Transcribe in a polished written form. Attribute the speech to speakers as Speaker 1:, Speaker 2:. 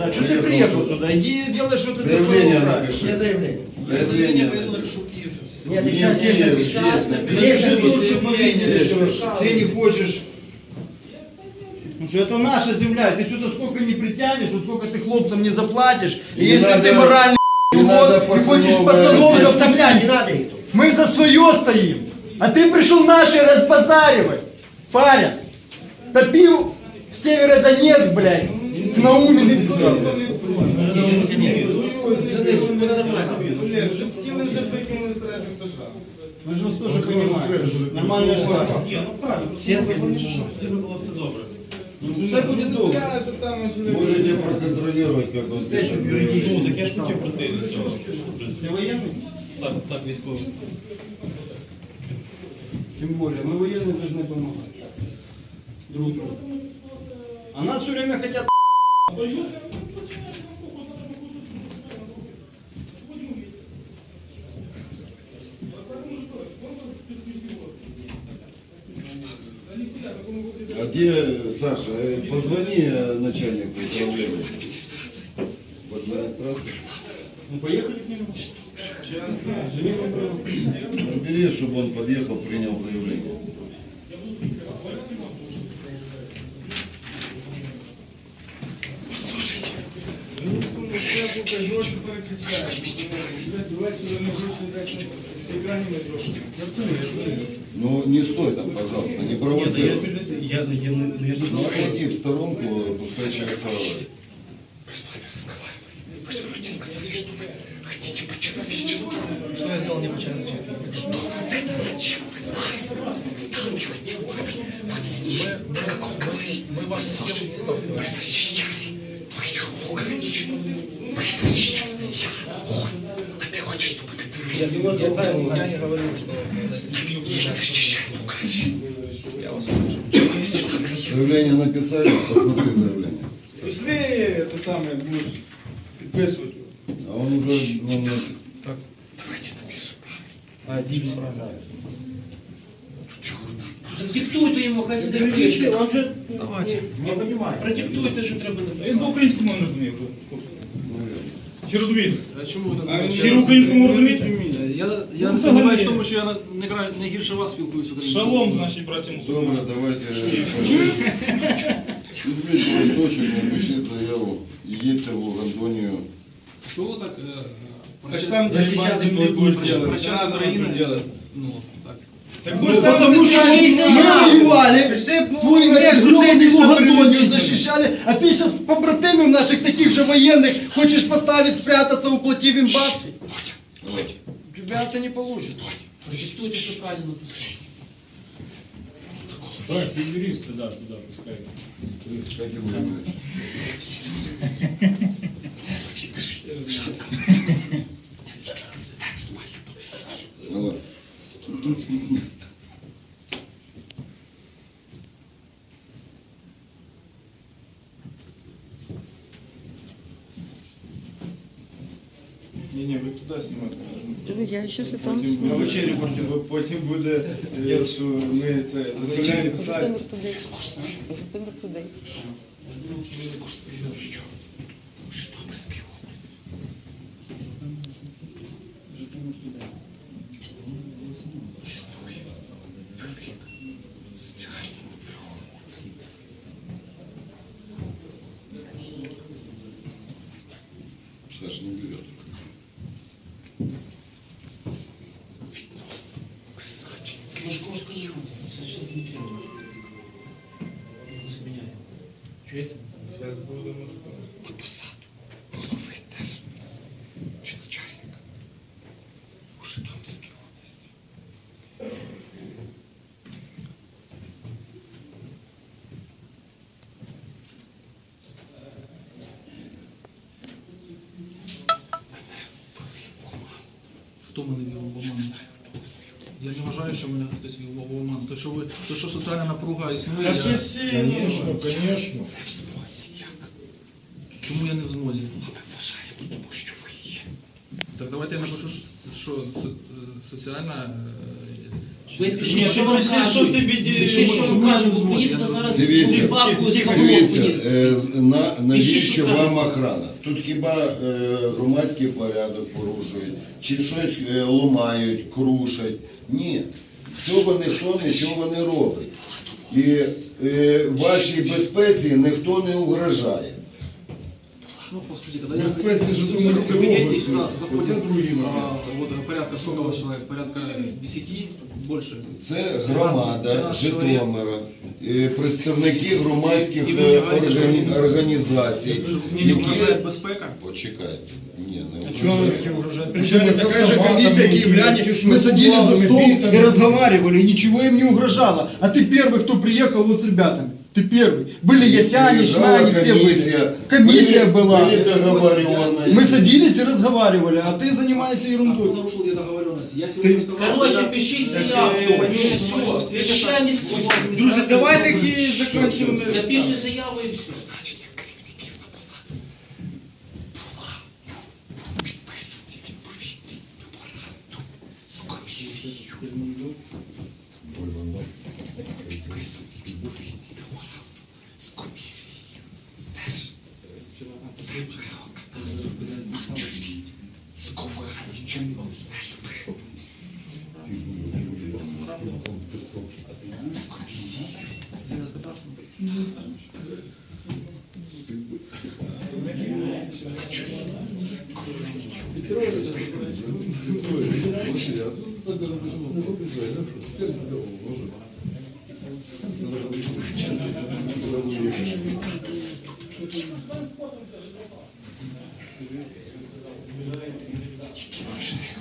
Speaker 1: Да, что ты приехал сюда? Иди делай что-то для своего
Speaker 2: Заявление
Speaker 1: брата.
Speaker 2: напиши.
Speaker 3: Є заявлення.
Speaker 2: Заявление
Speaker 3: Ні,
Speaker 2: напиши.
Speaker 3: ти зараз є
Speaker 2: Естественно.
Speaker 1: Пиши тут, чтобы видели, что ты не хочешь. Потому что это наша земля, ты сюда сколько не притянешь, вот сколько ты хлопцам не заплатишь. И
Speaker 2: Не
Speaker 1: если
Speaker 2: надо-
Speaker 1: ты моральный
Speaker 2: не надо
Speaker 1: урод и хочешь
Speaker 2: пацанов
Speaker 1: пацанов
Speaker 2: здесь.
Speaker 1: заставлять,
Speaker 3: Не надо їх тут.
Speaker 1: мы за свое стоим. А ты пришел наши разбазаривать. Парень, топил Северодонецк, блядь, Науменный туда.
Speaker 3: Це не все буде нормально.
Speaker 4: Хотіли вже викинули стратю пташа.
Speaker 1: Мы же вас тоже понимаем. Нормальная штука.
Speaker 3: Всі робили.
Speaker 1: Все будет добре.
Speaker 4: Я це саме ж
Speaker 2: Можете проконтролировать, как он пишет заявление.
Speaker 5: Ну, так я ж хотів прийти до цього. в принципі.
Speaker 1: Ты военный?
Speaker 5: Так, військовий.
Speaker 1: Тем более, мы военные должны помогать друг другу. А нас все время хотят.
Speaker 2: А где, Саша, позвони начальнику управления. В администрации.
Speaker 1: Ну поехали к нему.
Speaker 2: Набери, чтобы он подъехал, принял заявление.
Speaker 4: гроші перечисляють. Давайте не гроші екрані гроші.
Speaker 2: Ну, не стой там, пожалуйста, не провоцируй.
Speaker 5: Я не
Speaker 2: Ну, отойди в сторонку, пускай человек разговаривает.
Speaker 5: Что я сделал не по-человечески?
Speaker 6: Что вы это зачем вы нас сталкиваете?
Speaker 5: Мы вас с чем не сталкиваем.
Speaker 6: Вы защищали твою Луганщину. Вы защищали я. А ты хочешь, чтобы это
Speaker 5: Я не говорю, что...
Speaker 6: я защищаю Луганщину?
Speaker 5: Я вас
Speaker 2: Заявление написали, посмотри заявление.
Speaker 4: Пішли, те саме, будеш підписувати.
Speaker 2: А он уже, он,
Speaker 6: Давайте напишем.
Speaker 7: Диктуйте йому, хай сюди пише.
Speaker 1: Он же
Speaker 5: Давайте.
Speaker 1: не понимает.
Speaker 7: Продиктуйте, що треба
Speaker 4: Він
Speaker 7: написати.
Speaker 4: по-українському не розуміє. Чи розумієте?
Speaker 8: А чому ви
Speaker 4: А
Speaker 8: так?
Speaker 4: всі українському розумієте?
Speaker 8: Я
Speaker 4: Ну,
Speaker 8: не сумніваюся в
Speaker 4: взагалі.
Speaker 8: тому, що я не гірше вас спілкуюся українською.
Speaker 4: Шалом, наші браті
Speaker 2: добре,
Speaker 4: мусульмани.
Speaker 2: давайте. Візьміть листочок, напишіть заяву і їдьте в Лугандонію.
Speaker 8: Що ви так
Speaker 4: Так там захищати землі будеш
Speaker 8: про
Speaker 4: делать.
Speaker 8: час України? Ну, так.
Speaker 4: Так
Speaker 1: Ну,
Speaker 4: будеш
Speaker 1: потому что мы воевали, твой гребаный Лугандонию защищали, а ты сейчас побратимів наших таких же военных хочешь поставить, спрятаться, уплатив им бабки.
Speaker 2: Давайте.
Speaker 1: У тебя это не получится.
Speaker 7: Продиктуйте, що правильно написати.
Speaker 9: Так, ты юрист туда пускай.
Speaker 2: Как его имя? Давай.
Speaker 4: Ні, ви туди знімати.
Speaker 10: Я ще там.
Speaker 4: На вечері потім буде, що ми це заставляємо писати.
Speaker 10: Володимир туди.
Speaker 6: Житомирській області. Існує велика соціальна напруга.
Speaker 2: Саша не берет.
Speaker 6: Відносно призначення.
Speaker 7: Московською це ще не треба. Не зміняє. Чуєте?
Speaker 4: Зараз будемо.
Speaker 6: На посаду голови теж чи начальника у Житомирській області.
Speaker 8: Хто мене вів в оману? Я не вважаю, що мене хтось вів в оману. То, що соціальна напруга існує,
Speaker 9: Конечно, конечно.
Speaker 6: Не в змозі як.
Speaker 8: чому я не в змозі?
Speaker 6: А ми вважаємо, тому що ви є.
Speaker 8: Так давайте я напишу, що соціальна
Speaker 7: Ви
Speaker 4: Ні,
Speaker 7: пишіть,
Speaker 4: ти
Speaker 7: що вам
Speaker 4: пиши, що
Speaker 7: кажуть.
Speaker 4: тобі
Speaker 7: Пишіть, що вам кажуть, бо поїдете зараз
Speaker 2: Дивіться,
Speaker 7: в бабку з
Speaker 2: Дивіться,
Speaker 7: Хабовку.
Speaker 2: навіщо
Speaker 7: що
Speaker 2: вам охрана? Тут хіба громадський порядок порушують, чи щось ламають, крушать? Ні, цього ніхто нічого не робить. І вашій безпеці ніхто не угрожає.
Speaker 8: Ну, послушайте, когда я
Speaker 9: Безпеці Житомирської області.
Speaker 8: сюда
Speaker 9: Це
Speaker 8: заходим,
Speaker 9: другий момент.
Speaker 8: вот порядка сколько человек, порядка 10, больше.
Speaker 2: Це громада Житомира, представники громадських
Speaker 8: І ви вважаєте, що-
Speaker 2: організацій,
Speaker 8: Мне не угрожает безпека.
Speaker 2: Почекайте. Ні, не
Speaker 1: Чего
Speaker 2: угрожає.
Speaker 1: вы угрожаете? Приезжали такая же комиссия, киевляне, мы садились за
Speaker 9: бутылками,
Speaker 1: стол
Speaker 9: битами.
Speaker 1: и разговаривали, и ничего им не угрожало. А ты первый, кто приехал вот с ребятами. Ты первый. Были Ясяне,
Speaker 2: Приезжала
Speaker 1: Шмяне, все
Speaker 2: комиссия,
Speaker 1: были. Комиссия была.
Speaker 2: Были договоренности.
Speaker 1: Мы садились и разговаривали, а ты занимаешься
Speaker 8: А кто
Speaker 1: ерундой.
Speaker 8: нарушил где договоренности? Я сегодня сказал,
Speaker 7: Короче,
Speaker 8: что
Speaker 7: пишіть заявку. Все. Решаем міську.
Speaker 4: Друзі, давай таки закінчимо.
Speaker 7: Напиши заяву і все.
Speaker 6: Призначення керівників на посаду підписаний відповідний меморандум з комісією. Підписаний відповідний меморандум з комісією. Теж земельного кадастру. На чолі з Ковальчем СП. З комісією. Які можливі